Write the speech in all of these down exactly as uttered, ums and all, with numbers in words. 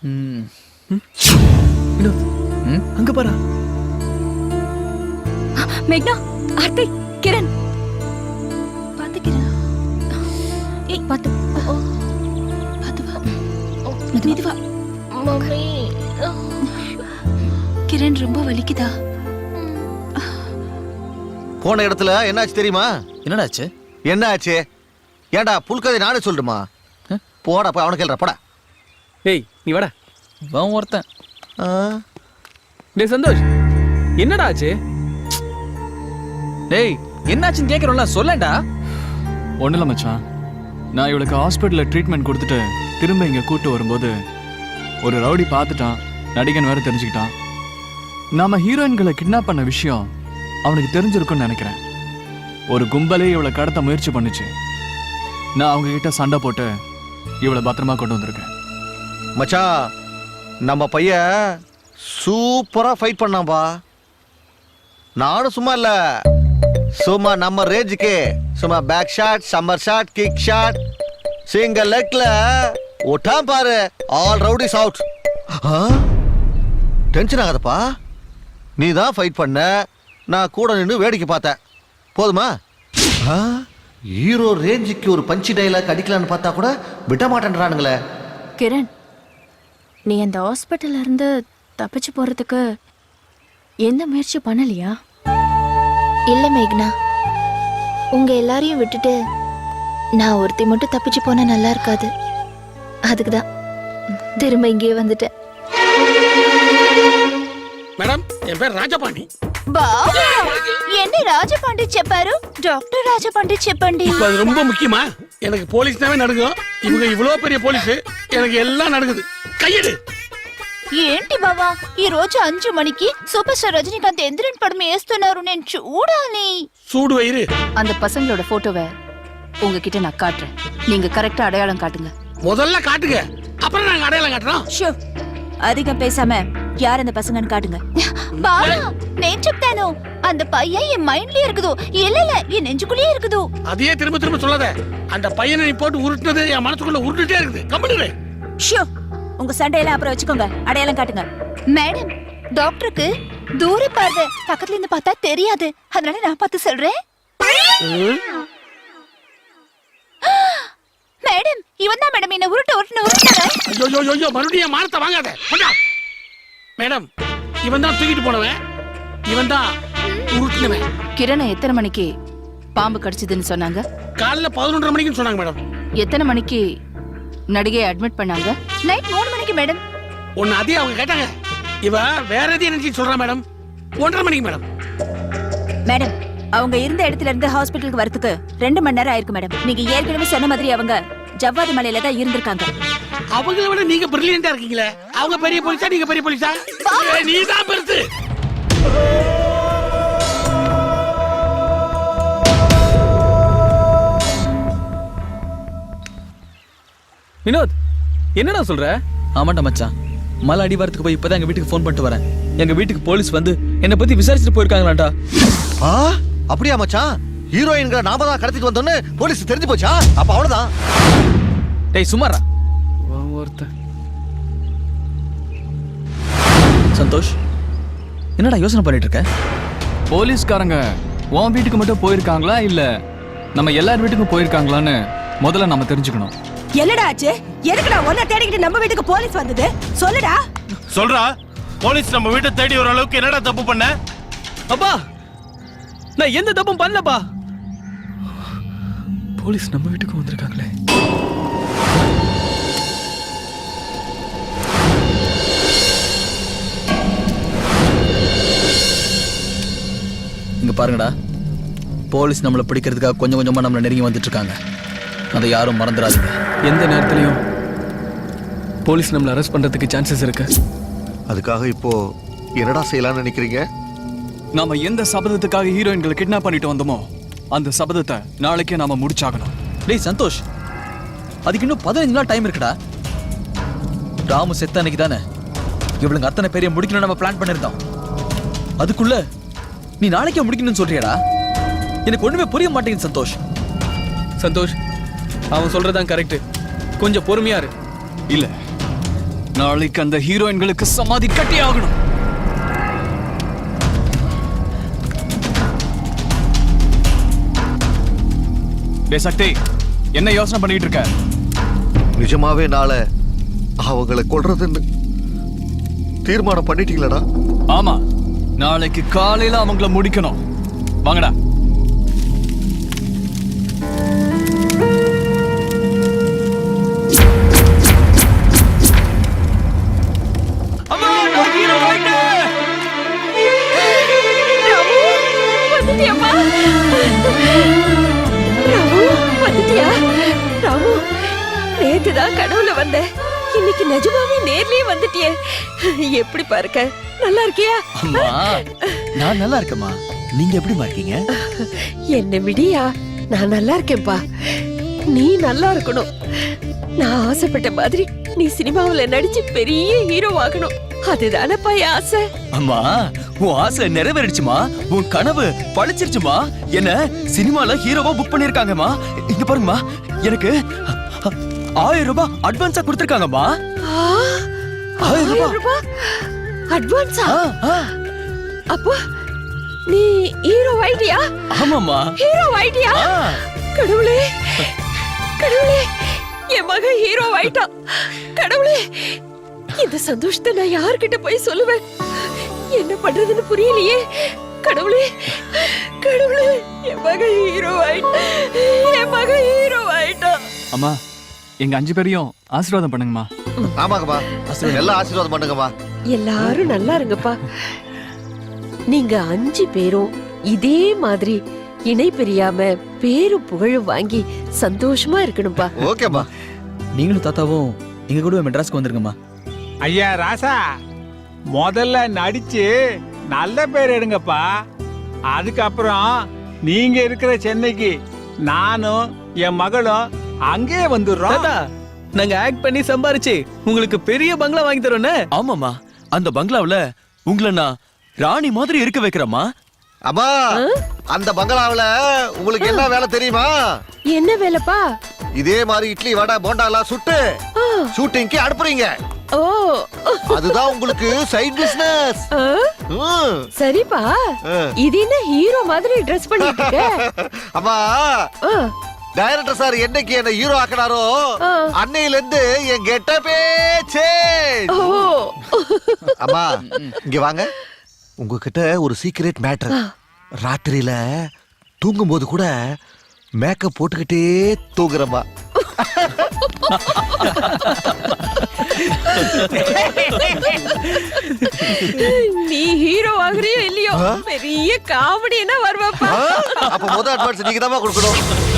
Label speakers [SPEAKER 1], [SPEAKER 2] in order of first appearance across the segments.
[SPEAKER 1] ம்
[SPEAKER 2] வினோத் அங்க பாரு.
[SPEAKER 3] மேக்னா, ஆர்த்தி, கிரண். பாத்து கிரண். ஏய் பாத்து. ஓ பாத்து வா. மெதுவா.
[SPEAKER 4] மம்மி.
[SPEAKER 3] கிரண் ரொம்ப வலிக்குதா?
[SPEAKER 5] போன இடத்துல என்னாச்சு தெரியுமா?
[SPEAKER 1] என்னடா ஆச்சு?
[SPEAKER 5] என்ன ஆச்சு? ஏன்டா புல்கதை நானே சொல்லுமா? போடா போய் அவனை கேள்ற போடா.
[SPEAKER 2] ஏய் நீ வாடா.
[SPEAKER 1] அவன் ஒருத்தன்.
[SPEAKER 2] டேய் சந்தோஷ், என்னடா ஆச்சு?
[SPEAKER 1] டேய் என்னாச்சுன்னு கேட்குறோம்ல, சொல்லேன்டா.
[SPEAKER 6] ஒன்றும் இல்லை மச்சான், நான் இவளுக்கு ஹாஸ்பிட்டலில் ட்ரீட்மெண்ட் கொடுத்துட்டு திரும்ப இங்கே கூட்டு வரும்போது ஒரு ரவுடி பார்த்துட்டான், நடிகன் வேற தெரிஞ்சுக்கிட்டான். நாம ஹீரோயின்களை கிட்னாப் பண்ண விஷயம் அவனுக்கு தெரிஞ்சிருக்குன்னு நினைக்கிறேன். ஒரு கும்பலே இவளை கடத்த முயற்சி பண்ணுச்சு. நான் அவங்க கிட்ட சண்டை போட்டு இவளை பத்திரமா கொண்டு வந்திருக்கேன்.
[SPEAKER 5] மச்சான், நம்ம பையன் சூப்பரா ஃபைட் பண்ணாம்பா. நானும் சும்மா இல்ல, சும்மா நம்ம ரேஞ்சுக்கு சும்மா back shot, summer shot, kick shot, single லெக்ல ஒட்டாம் பாரு. All rowdies out. டென்ஷன் ஆகாதப்பா, நீ தான் ஃபைட் பண்ண, நான் கூட நின்று வேடிக்கை பார்த்தேன். போதுமா? ஹீரோ ரேஞ்சுக்கு ஒரு பஞ்சி டைலாக் அடிக்கலான்னு பார்த்தா கூட விட மாட்டேன்றானுங்களே.
[SPEAKER 3] கிரண், நீ அந்த ஹாஸ்பிட்டல்ல இருந்து தப்பிச்சு போறதுக்கு எந்த முயற்சி பண்ணலையா?
[SPEAKER 4] இல்ல மேக்னா, உங்க எல்லாரையும் விட்டுட்டு நான் ஒருத்தி மட்டும் தப்பிச்சு போனா நல்லா இருக்காது. அதுக்குதான் திரும்ப இங்கேயே வந்துட்டேன்.
[SPEAKER 7] மேடம், என் பேர் ராஜபாண்டி.
[SPEAKER 4] என்ன ராஜபாண்டி చెప్పారు? டாக்டர் ராஜபாண்டி చెప్పండి.
[SPEAKER 7] அது ரொம்ப முக்கியமா? எனக்கு போலீஸ்னாவே நடுங்கும். இவங்க இவ்வளவு பெரிய போலீஸ், எனக்கு எல்லாம் நடுங்குது. கையெடு.
[SPEAKER 4] ఏంటి బావా, ఈ రోజు అంజు మణికి సూపర్ స్టార్ రజనీకాంత్ ఎంద్రన్ పడం వేస్తున్నారు, నేను చూడాలి.
[SPEAKER 7] சூடு வயிறு.
[SPEAKER 3] அந்த பசங்களோட போட்டோவை உங்ககிட்ட நான் காட்டுறேன், நீங்க கரெக்டா அடையாளம் காட்டுங்க.
[SPEAKER 7] முதல்ல காட்டுங்க, அப்புறம் நாங்க அடையாளம் காட்டுறோம்.
[SPEAKER 3] ஷோ, அதிகம் பேசாம யார் அந்த பசங்கன்னு காட்டுங்க.
[SPEAKER 4] బావా, నేను చెప్తాను. அந்த பையன் என் மைண்ட்லயே இருக்குதோ, இல்ல இல்ல என் நெஞ்சுக்குள்ளே இருக்குதோ.
[SPEAKER 7] அதையே திரும்ப திரும்ப சொல்லாத. அந்த பையனை நீ போட்டு உருட்டுனது என் மனசுக்குள்ள உருட்டுட்டே இருக்குது. கம்முனு.
[SPEAKER 3] ஷோ, உங்க சண்டையெல்லாம் அப்புறம் வச்சுக்கோங்க, அடையாளம் காட்டுங்க.
[SPEAKER 4] மேடம், டாக்டருக்கு தூர பார்வை, பக்கத்துல இருந்து பார்த்தா தெரியாது, அதனால நான் பார்த்து சொல்றேன். மேடம், இவன் தான் மேடம் என்ன உருட்டு உருட்டு உருட்டுறாங்க.
[SPEAKER 7] ஐயோ ஐயோ ஐயோ, மறுபடியும் மானத்தை வாங்காத. போடா. மேடம், இவன் தான் தூக்கிட்டு போனவன், இவன் தான் உருட்டுனவன்.
[SPEAKER 3] கிரணை எத்தனை மணிக்கு பாம்பு கடிச்சதுன்னு சொன்னாங்க?
[SPEAKER 7] காலைல பதினொன்றரை மணிக்குன்னு சொன்னாங்க மேடம்.
[SPEAKER 3] எத்தனை மணிக்கு நடிகையை அட்மிட் பண்ணாங்க?
[SPEAKER 4] நைட் மூணு மணிக்கு மேடம்.
[SPEAKER 7] ஒன்னு அதே அவங்க கேட்டாங்க. இவ வேற எதையும் நினைச்சு சொல்றா மேடம். ஒன்றரை மணிக்கு மேடம்.
[SPEAKER 3] மேடம், அவங்க இருந்த இடத்துல இருந்து ஹாஸ்பிட்டலுக்கு வரதுக்கு ரெண்டு மணி நேரம் ஆயிருக்கு மேடம். நீங்க ஏற்கனவே சொன்ன மாதிரி அவங்க ஜவ்வாது மலையில தான் இருந்திருக்காங்க.
[SPEAKER 7] அவங்கள விட நீங்க பிரில்லியண்டா இருக்கீங்களே. அவங்க பெரிய போலீஸா, நீங்க பெரிய போலீஸா? நீ தான் பெருசு.
[SPEAKER 2] வினோத், என்னடா சொல்ற?
[SPEAKER 1] ஆமாண்டா மச்சான், மலை அடிவாரத்துக்கு போய் இப்பதான் எங்க வீட்டுக்கு ஃபோன் பண்ணிட்டு வரேன். எங்க வீட்டுக்கு போலீஸ் வந்து என்னை பத்தி விசாரிச்சுட்டு போயிருக்காங்களாண்டா.
[SPEAKER 5] ஆ, அப்படியா மச்சான்? ஹீரோயின்கிற நாம தான் கடத்திட்டு வந்தோன்னு போலீஸ் தெரிஞ்சு போச்சா? அப்ப அவ்வளவுதான்.
[SPEAKER 1] டேய் சுமாரா.
[SPEAKER 2] ஒருத்தன்
[SPEAKER 1] சந்தோஷ், என்னடா யோசனை பண்ணிட்டு இருக்க?
[SPEAKER 6] போலீஸ்காரங்க உன் வீட்டுக்கு மட்டும் போயிருக்காங்களா இல்ல நம்ம எல்லார் வீட்டுக்கும் போயிருக்காங்களான்னு முதல்ல நம்ம தெரிஞ்சுக்கணும்.
[SPEAKER 3] என்னடா ஆச்சு? எதுக்குடா ஒன்ன தேடிக்கிட்டு நம்ம வீட்டுக்கு போலீஸ் வந்தது? சொல்லுடா.
[SPEAKER 8] சொல்றா, போலீஸ் நம்ம வீட்டை தேடி வர அளவுக்கு என்னடா தப்பு பண்ண?
[SPEAKER 2] அப்பா, நான் எந்த தப்பும் பண்ணலப்பா. போலீஸ் நம்ம வீட்டுக்கு வந்திருக்காங்களே.
[SPEAKER 1] இங்க பாருங்கடா, போலீஸ் நம்மளை பிடிக்கிறதுக்காக கொஞ்சம் கொஞ்சமா நம்மளை நெருங்கி வந்துட்டு இருக்காங்க. அதை யாரும் மறந்துடாதீங்க.
[SPEAKER 2] எந்த நேரத்திலையும் போலீஸ் நம்மளை அரெஸ்ட் பண்றதுக்கு சான்சஸ் இருக்கு.
[SPEAKER 5] அதுக்காக இப்போ என்னடா செய்யலாம்னு நினைக்கிறீங்க?
[SPEAKER 6] நாம எந்த சபதத்துக்காக ஹீரோயின்களை கிட்னாப் பண்ணிட்டு வந்தோமோ அந்த சபதத்தை நாளைக்கே நாம முடிச்சாகணும்.
[SPEAKER 1] டேய் சந்தோஷ், அதுக்கு இன்னும் பதினஞ்சு நாள் டைம் இருக்குடா. ராமு செத்த அன்னைக்கு தானே இவளுங்க அத்தனை பேரைய முடிக்கணும் நம்ம பிளான் பண்ணிருந்தோம். அதுக்குள்ள நீ நாளைக்கே முடிக்கணும்னு சொல்றியாடா? எனக்கு ஒண்ணுமே புரிய மாட்டேங்குது சந்தோஷ்.
[SPEAKER 2] சந்தோஷ், அவன் சொல்றதான் கரெக்ட். கொஞ்சம் பொறுமையா இரு.
[SPEAKER 6] இல்ல, நாளைக்கு அந்த ஹீரோயின்களுக்கு சமாதி கட்டி ஆகணும். டே சக்தி, என்ன யோசனை பண்ணிட்டு இருக்க?
[SPEAKER 5] நிஜமாவே நாளை அவங்களை கொல்றதுன்னு தீர்மானம் பண்ணிட்டீங்களடா?
[SPEAKER 6] ஆமா, நாளைக்கு காலையில அவங்கள முடிக்கணும். வாங்கடா.
[SPEAKER 3] வந்துட்டியாம்மா? ராமு, வந்துட்டியா? ராமு, நேத்துதான் கனவுல வந்தேன். இன்னைக்கு நிஜமாவே நேர்லயே வந்துட்டியே. எப்படி பாருக்க? நல்லா இருக்கியா?
[SPEAKER 1] அம்மா, நான் நல்லா இருக்கேம்மா. நீங்க எப்படிமா இருக்கீங்க?
[SPEAKER 9] என்ன விடியா, நான் நல்லா இருக்கேன்பா. நீ நல்லா இருக்கணும். நான் ஆசைப்பட்ட மாதிரி நீ சினிமாவுல நடிச்சு பெரிய ஹீரோ ஆகணும். அதுதானப்பா என் ஆசை.
[SPEAKER 1] அம்மா, உன் ஆசை நிறைவேறிடுச்சுமா. உன் கனவு பழிச்சிருச்சுமா. என்ன சினிமால ஹீரோவா புக் பண்ணிருக்காங்கம்மா. இங்க பாருங்கம்மா, எனக்கு ஆயிரம் ரூபாய் அட்வான்ஸா கொடுத்திருக்காங்கம்மா.
[SPEAKER 9] ஆயிரம் ரூபாய் அட்வான்ஸா?
[SPEAKER 1] ஆ, ஆ.
[SPEAKER 9] அப்போ நீ ஹீரோ ஆயிட்டியா?
[SPEAKER 1] ஆமாம்மா.
[SPEAKER 9] ஹீரோ ஆயிட்டியா?
[SPEAKER 1] ஆ.
[SPEAKER 9] கடவுளே, கடவுளே, என் மகன் ஹீரோ ஆயிட்டான். கடவுளே, இந்த சந்தோஷத்தை நான் யார்கிட்ட போய் சொல்லுவேன்? என்ன பண்றதுன்னு புரியலையே. கடவுளே, கடவுளே, என் மகன் ஹீரோ ஆயிட்டான். என் மகன் ஹீரோ ஆயிட்டான்.
[SPEAKER 6] அம்மா, எங்க அஞ்சு பேரையும் ஆசீர்வாதம் பண்ணுங்கம்மா.
[SPEAKER 5] ஆமாங்கம்மா, எல்லாம் ஆசீர்வாதம் பண்ணுங்கம்மா.
[SPEAKER 9] எல்லாரும் நல்லா இருங்கப்பா. நீங்க அஞ்சு பேரும் இதே மாதிரி இணை பிரியாம பேரும் புகழும் வாங்கி சந்தோஷமா இருக்கணும்பா.
[SPEAKER 5] ஓகேம்மா.
[SPEAKER 1] நீங்களும் தாத்தாவும் எங்க கூட மெட்ராஸ்க்கு வந்துருங்கம்மா.
[SPEAKER 10] ஐயா ராசா, முதல்ல நடிச்சு நல்ல பேர் எடுங்கப்பா. அதுக்கப்புறம் நீங்க இருக்கிற சென்னைக்கு நானும் என் மகளும் அங்கே வந்துடுறோம்.
[SPEAKER 2] தாத்தா, நாங்க ஆக்ட் பண்ணி சம்பாரிச்சு உங்களுக்கு பெரிய பங்களா வாங்கி தரோன்னு.
[SPEAKER 1] ஆமாம்மா, அந்த பங்களாவுல உங்களை நான் ராணி மாதிரி இருக்க வைக்கிறேம்மா.
[SPEAKER 5] அம்மா, அந்த பங்களாவுல உங்களுக்கு என்ன வேலை தெரியுமா?
[SPEAKER 9] என்ன வேலைப்பா?
[SPEAKER 5] இதே மாதிரி இட்லி வடை போண்டா எல்லாம் சுட்டு ஷூட்டிங்க்கு அனுப்புறீங்க.
[SPEAKER 9] ஓ,
[SPEAKER 5] அதுதான் உங்களுக்கு சைடு பிசினஸ்.
[SPEAKER 9] ஆ, சரிப்பா. இது என்ன ஹீரோ மாதிரி ட்ரெஸ் பண்ணிட்டு இருக்க?
[SPEAKER 5] அம்மா,
[SPEAKER 9] ஆ,
[SPEAKER 5] டைரக்டர் சார் என்னைக்கு என்ன ஹீரோ ஆக்கினாரோ
[SPEAKER 9] ஆ.
[SPEAKER 5] அன்னையில இருந்து என் கெட்டப்பே சேஞ்ச்.
[SPEAKER 9] ஓ,
[SPEAKER 5] அம்மா, இங்க வாங்க. உங்ககிட்ட ஒரு சீக்ரெட் மேட்டர். ராத்திரியில தூங்கும்போது கூட மேக்கப் போட்டுக்கிட்டே தூங்குறமா.
[SPEAKER 9] நீ ஹீரோ ஆகுறியோ இல்லையோ, பெரிய காமெடினா வருவாப்பா.
[SPEAKER 5] அப்ப முத அட்வான்ஸ் நீங்க தான் கொடுக்கணும்.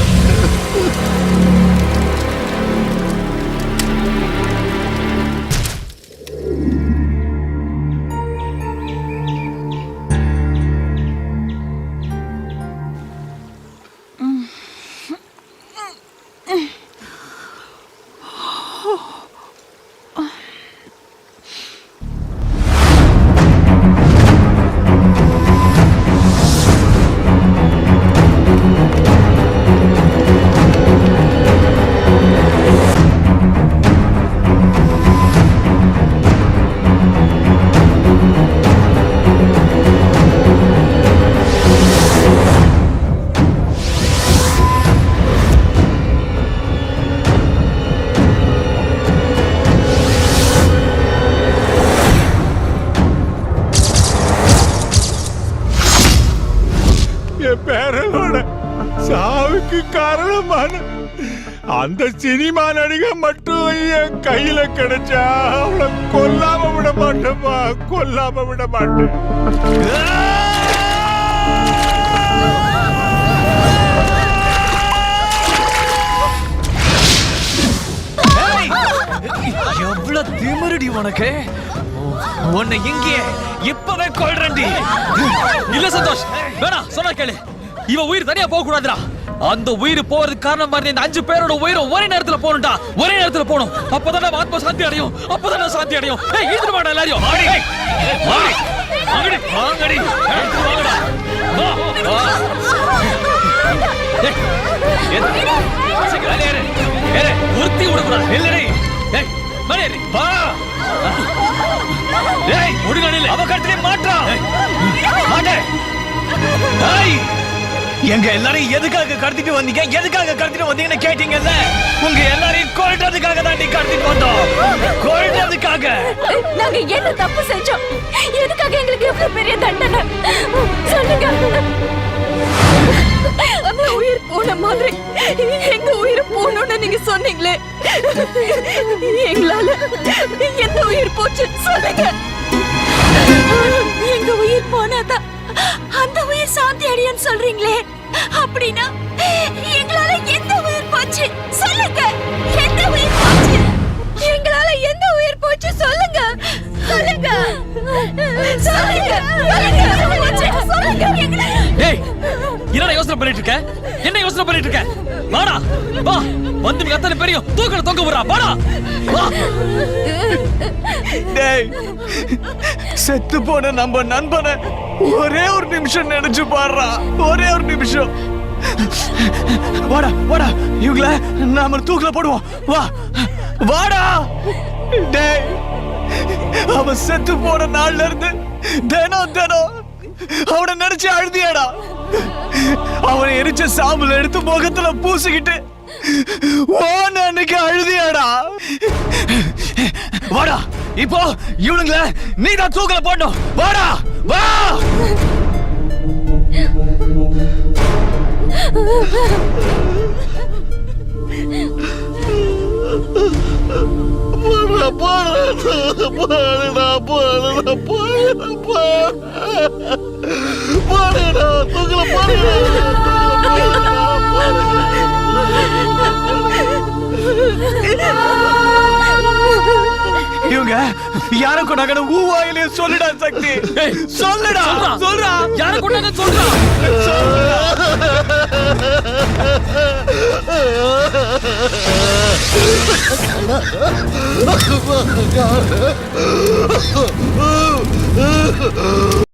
[SPEAKER 10] என் பேரனோட சாவுக்கு காரணமான அந்த சினிமா நடிகை மட்டும் என் கையில கிடைச்சா அவளை கொல்லாம விட மாட்டேப்பா, கொல்லாம விட மாட்டேன்.
[SPEAKER 1] எவ்வளவு திமிருடி உனக்கு. உன்னை இங்கே இப்பவே கொல்றேன்டி. இல்ல சந்தோஷ், வேணாம், சொன்னா கேளு. இவ உயிர் தனியா போக கூடாதுடா. அந்த உயிர் போறதுக்கு காரணமா இருந்த இந்த அஞ்சு பேரோட உயிரும் ஒரே நேரத்துல போகணும்டா. ஒரே நேரத்துல போகணும். அப்பதான் நம்ம ஆத்மா சாந்தி அடையும். அப்பதான் சாந்தி அடையும். ஏய், இழுத்துட்டு வாடா எல்லாரையும். வாடி, வாடி, வாங்கடி, வாங்கடி, இழுத்துட்டு வாங்கடா. வா, வா. ஏய், ஏறு, சீக்கிரம் ஏறு, ஏறு, உருத்தி விடக்கூடாது. இல்லடி. ஏய், மேலே ஏறு. வா. டேய் முடுங்கனில அவ கழுத்திலே மாட்றா. மாட்டே. டேய் எங்க எல்லாரையும் எதுக்காக கடத்திட்டு வந்தீங்க, எதுக்காக கடத்திட்டு வந்தீங்கன்னு கேட்டீங்கல்ல, உங்க எல்லாரையும் கொல்றதுக்காக தான் நீ கடத்திட்டு வந்தோம், கொல்றதுக்காக.
[SPEAKER 9] நாங்க என்ன தப்பு செஞ்சோம்? எதுக்காக எங்களுக்கு இவ்வளவு பெரிய தண்டனை சொல்லுங்க. அந்த உயிர் போன மாதிரி எங்க உயிர் போனோம்னு நீங்க சொன்னீங்களே, எங்களால எந்த உயிர் போச்சு சொல்லுங்க. எங்க உயிர் போனாதான் அந்த உயிர் சாந்தி அடையும் சொல்றீங்களே, அப்படின்னா எங்களால எந்த உயிர் போச்சு சொல்லுங்க. எந்த உயிர் போச்சு? எங்களால எந்த உயிர் போச்சு சொல்லுங்க. சொல்லுங்க சொல்லுங்க சொல்லுங்க.
[SPEAKER 1] டேய் என்னடா யோசனை பண்ணிட்டு இருக்க? என்ன யோசனை பண்ணிட்டு இருக்க? வாடா வா, வந்து நீ அத்தனை பெரிய தூக்கல தொங்க விடுறா. வாடா வா.
[SPEAKER 6] டேய் செத்து போன நம்ம நண்பனை ஒரே ஒரு நிமிஷம் நினைச்சு பாடுறா, ஒரே ஒரு நிமிஷம். வாடா வாடா, இவங்கள நாம தூக்கல போடுவோம். வா வாடா. டேய் அவன் செத்து போன நாள்ல இருந்து தினம் தினம் அவனை நினைச்சு அழுதியாடா. அவனை எரிச்ச சாம்பல் எடுத்து முகத்துல பூசிக்கிட்டு ஓன அன்னைக்கு அழுதியாடா. வாடா இப்போ இவனுங்கள நீ தான் தூக்கல போடணும். வாடா வா.
[SPEAKER 5] போடுறா போடுறா போடுறா போடுறா போடுறா தூக்கல போடுறா.
[SPEAKER 6] இவங்க யார கொண்டாங்க ஊவாயிலே சொல்லுடா சக்தி, சொல்லுடா சொல்றா.
[SPEAKER 1] யார கொண்டாங்க சொல்றா.
[SPEAKER 5] Oh,